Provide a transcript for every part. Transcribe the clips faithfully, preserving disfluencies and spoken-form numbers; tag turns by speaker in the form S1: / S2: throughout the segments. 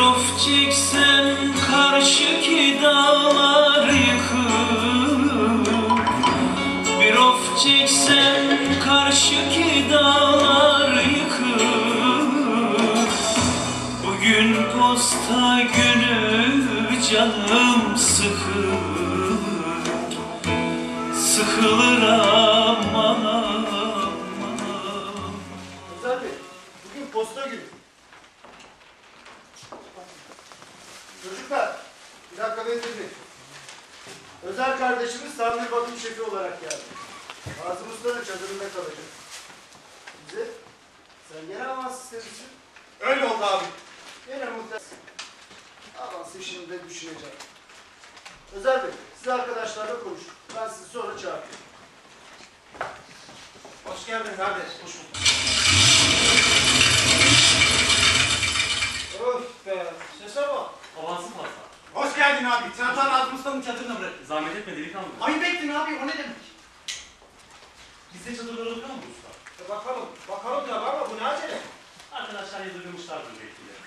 S1: of çeksem karşıki dağlar yıkık, bir of çeksem karşıki dağlar yıkık. Bugün posta günü canım sıkık, sıkılır ama.
S2: Özel Bey, bugün posta günü. Çocuklar, bir dakika bekleyin. Özel kardeşimiz tamir bakım şefi olarak geldi. Nazım Usta'nın çadırında kalacak. Bize, sen gene avans istemişsin.
S3: Öyle oldu abi.
S2: Gene muhtemelen avansı şimdi de düşüneceğim. Özel Bey, siz arkadaşlarla konuşun. Ben sizi sonra çağırayım.
S3: Hoş geldin kardeş. Hoş bulduk.
S2: Öf be, sese bak.
S4: Avansın fazla.
S3: Hoş geldin abi. Sen ta Nazım Usta'nın çadırına bırak.
S4: Zahmet etme delikanlı.
S3: Ayıp ettin abi. O ne demek?
S4: Bizde çadırlara bakar mı usta?
S2: E bakalım, bakalım tabii ama bu ne acele?
S4: Arkadaşlar yadırgamışlardır belki de.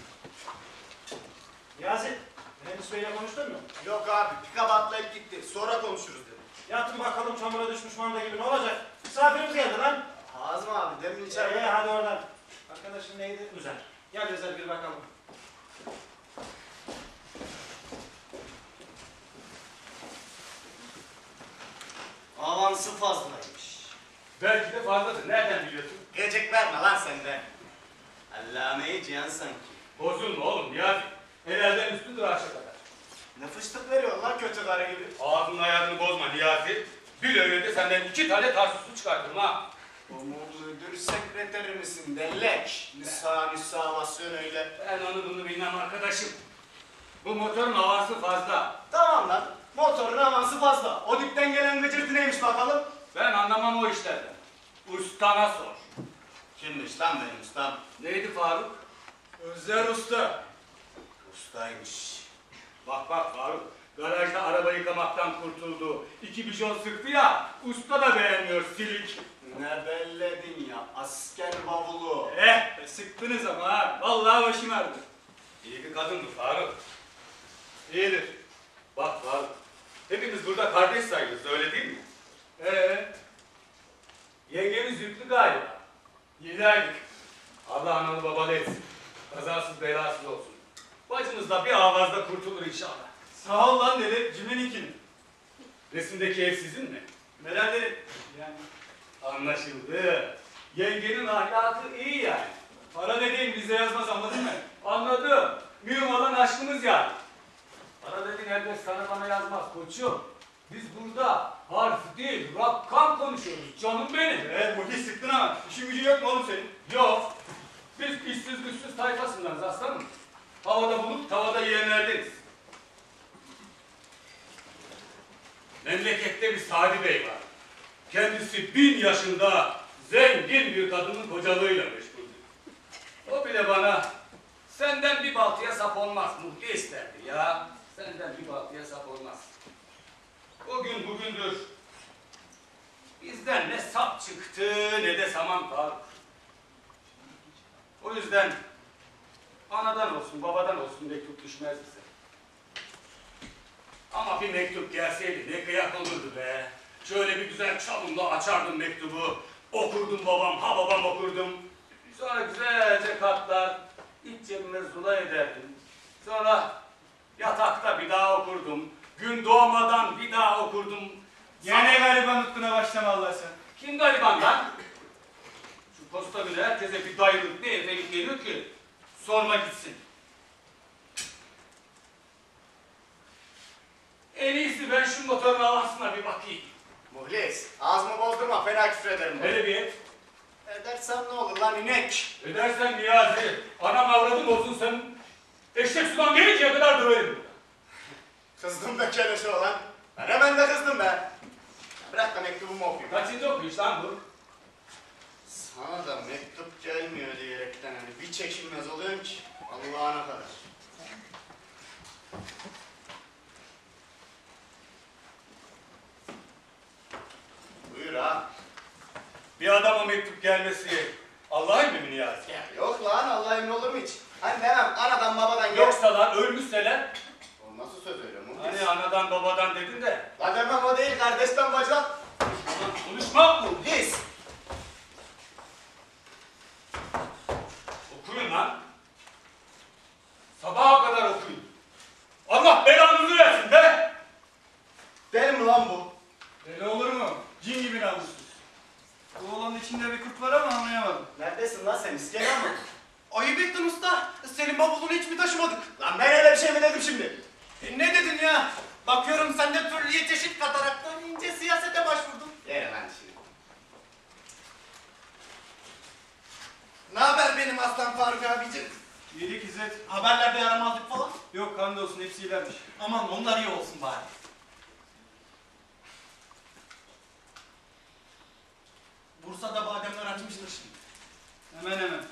S2: Niyazi, Mühendis Bey'le konuştun mu?
S3: Yok abi. Pikap atlayıp gitti. Sonra konuşuruz dedi.
S2: Yatın bakalım çamura düşmüş manda gibi ne olacak? Misafirimiz geldi lan.
S3: Azmi abi. Demin
S2: Ee,
S3: içeride.
S2: hadi oradan. Arkadaşın neydi?
S4: Güzel.
S2: Gel Özel bir bakalım.
S3: Avansı fazlaymış.
S5: Belki de fazladır. Nereden biliyorsun?
S3: Gelecek verme lan senden. Allameyi cihan sanki.
S5: Bozulma oğlum Niyazi. Helalden üstündür aşağı kadar.
S3: Ne fıştık veriyor lan kötü karı gibi.
S5: Ağzının ayarını bozma Niyazi. Bir öyle de senden iki tane tarsuslu çıkartırım ha.
S3: O müdür sekreteri misin dellek? Nisa nisa basıyorsun öyle.
S5: Ben onu bunu bilmem arkadaşım. Bu motorun havası fazla.
S3: Tamam lan. Motorun avansı fazla. O dipten gelen gıcırtı neymiş bakalım?
S5: Ben anlamam o işlerden. Ustana sor.
S3: Kimmiş lan benim ustam?
S5: Neydi Faruk?
S2: Özer Usta.
S3: Ustaymış.
S5: Bak bak Faruk. Garajda araba yıkamaktan kurtuldu. İki bijon sıktı ya. Usta da beğenmiyor silik.
S3: Ne belledin ya asker bavulu.
S5: Eh be, sıktınız ama ha. Vallahi başım ağrıdı. İyi bir kadındı Faruk. İyidir. Bak Faruk. Hepimiz burada kardeş sayılırız öyle değil mi? Ee, yengemiz yüklü galiba. Yedi aylık. Allah analı babalı etsin. Kazasız belasız olsun. Bacımız da bir avazda kurtulur inşallah.
S2: Sağ ol lan deli. Cimri'ninkin.
S5: Resimdeki ev sizin mi?
S2: Nedenleri? Yani
S5: Anlaşıldı. Yengenin ahlakı iyi yani.
S2: para dediğin bizde yazmaz anladın mı?
S5: Anladım. Mühim olan aşkımız yani. Para dediğin elbet sana bana yazmaz koçum. Biz burada harf değil, rakam konuşuyoruz canım benim.
S2: Evet muhis sıktın ama. İşin gücün yok mu oğlum senin?
S5: Yok. Biz işsiz güçsüz tayfasındanız aslanım. Havada bulup tavada yiyenlerdeniz. Memlekette bir Sadi Bey var. Kendisi bin yaşında zengin bir kadının kocalığıyla meşguldür. O bile bana senden bir baltıya sap olmaz muhli isterdi ya. Senden bir baltıya sap olmaz. O gün bugündür bizden ne sap çıktı ne de saman kaldı. O yüzden anadan olsun babadan olsun mektup düşmez bize. Ama bir mektup gelseydi ne kıyak olurdu be. Şöyle bir güzel çalımla açardım mektubu. Okurdum babam, ha babam okurdum. Sonra güzelce katlar, iç cebime zula ederdim. Sonra yatakta bir daha okurdum. Gün doğmadan bir daha okurdum.
S2: Yine gariban nutkuna başlama Allah sen.
S5: Kim gariban lan? Şu posta bile herkese bir dayılık, bir efelik geliyor ki sorma gitsin. En iyisi ben şu motorun havasına bir bakayım.
S3: Muhlis ağzımı bozdurma fena küfür ederim.
S5: Hele bir et.
S3: Edersen ne olur lan inek.
S5: Edersen Niyazi, anam avradım olsun sen eşek sudan gelinceye kadar döverim.
S3: Kızdım be keleşe olan. Ben hemen de kızdım be. Bırak da mektubumu okuyayım.
S5: Kaçıncı okuyuş lan bu?
S3: Sana da mektup gelmiyor diyerekten hani bir çekilmez oluyorum ki Allah'ına kadar. Buyur ha.
S5: Bir adama mektup gelmesi Allah'ın emri mi Niyazi?
S3: Ya yok lan Allah emin olur mu hiç? Hani demem anadan babadan gel.
S5: Yoksa lan ölmüşseler.
S3: O nasıl söz öyle mu?
S5: Hani anadan babadan dedin de.
S3: La demem o değil kardeşten bacak.
S5: Ulan konuşmak bu.
S3: His.
S5: Okuyun lan. Sabaha kadar okuyun. Allah belanızı versin be.
S3: Deli mi lan bu?
S5: Deli olur mu? Cin gibi namussuz. Bu oğlanın içinde bir kurt var ama anlayamadım.
S3: Neredesin lan sen iskele mi?
S5: Ayıp ettin usta. Senin bavulunu hiç mi taşımadık?
S3: Lan ben öyle bir şey mi dedim şimdi?
S5: E ne dedin ya? Bakıyorum sen de türlü çeşit kataraktan ince siyasete başvurdun.
S3: Yere lan şimdi.
S5: Ne haber benim aslan Faruk abicim? İyilik İzzet. Haberlerde yaramazlık falan? Yok hamdolsun hepsi iyilermiş. Aman onlar iyi olsun bari. Bursa'da bademler açmıştır şimdi. Hemen hemen.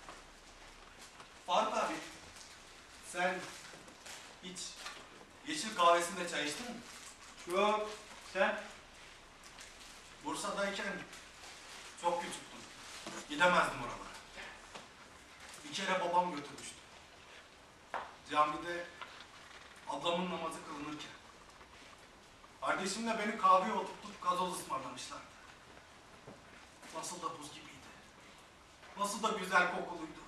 S5: Faruk abi, sen hiç yeşil kahvesinde çay içtin mi? Yok. Sen? Bursa'dayken çok küçüktüm. Gidemezdim oralara. Bir kere babam götürmüştü. Camide ablamın namazı kılınırken. Kardeşimle beni kahveye oturtup gazoz ısmarlamışlardı. Nasıl da buz gibiydi. Nasıl da güzel kokuluydu.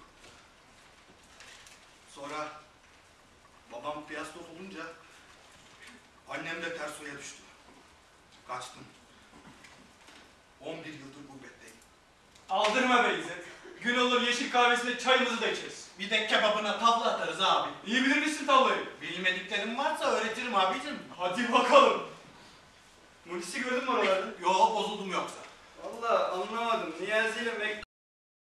S5: Sonra babam piyastos olunca annem de ters suya düştü. Kaçtım. on bir yıldır gurbetteyim.
S6: Aldırma be İzzet. Gün olur yeşil kahvesinde çayımızı da içeriz.
S5: Bir de kebabına tavla atarız abi.
S6: İyi bilir misin tavlayı?
S5: Bilmediklerim varsa öğretirim abicim.
S6: Hadi bakalım. Munis'i gördün mü oralarda?
S5: Yo bozuldum yoksa.
S6: Vallahi anlamadım. Niyazi ile